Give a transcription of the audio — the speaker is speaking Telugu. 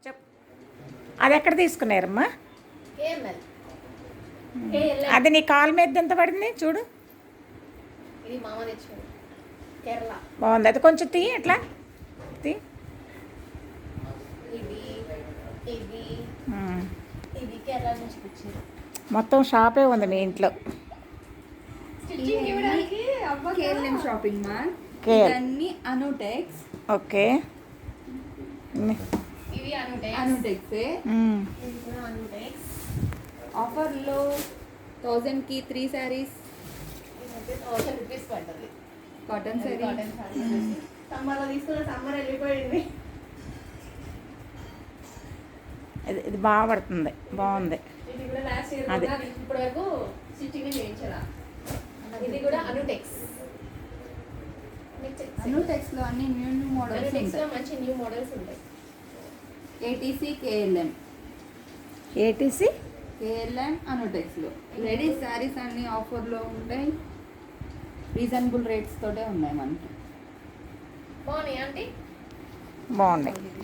చెప్ అది ఎక్కడ తీసుకున్నారమ్మా? అది నీ కాలు మీద ఎంత పడింది చూడు. ఇది మామ తెచ్చాడు కేరళ. బాగుంది. అది కొంచెం తీ ఎట్లా తీ. ఇది ఇది ఇది కేరళ నుంచి తెచ్చారు. మొత్తం షాపే ఉంది మీ ఇంట్లో. స్టిచ్చింగ్ ఇవ్వడానికి కేఎల్ఎం షాపింగ్ మాల్. కేఎల్ ఇవన్నీ అనుటెక్స్. ఓకే. ఇవి అనుటెక్స్. అనుటెక్స్ ఇది కూడా అనుటెక్స్. ఆఫర్లో 1000కి 3 శారీస్. ఇదైతే 1000 రూపీస్ పడుతుంది. కాటన్ శారీ. కాటన్ శారీ. సమ్మర్లో తీసుకున్న సమ్మర్ వెళ్ళిపోయింది. ఇది బాగా పడుతుంది, బాగుంది. ఇది కూడా లాస్ట్ ఇయర్ అది. కూడా ఇప్పటి వరకు స్టిచ్చింగ్ చేయించారా. ఇది కూడా అనుటెక్స్. అనుటెక్స్లో అన్ని న్యూ మోడల్స్ అనుటెక్స్ లో ఉంటాయి. మంచి న్యూ మోడల్స్ ఉంటాయి. ATC KLM. ఏటీసీ కేఎల్ఎం అనుటెక్స్లో లేడీస్ శారీస్ అన్ని ఆఫర్లో ఉంటాయి. రీజనబుల్ రేట్స్ తోటే ఉన్నాయి మనకి. బాగున్నాయి ఆంటీ. బాగుంది.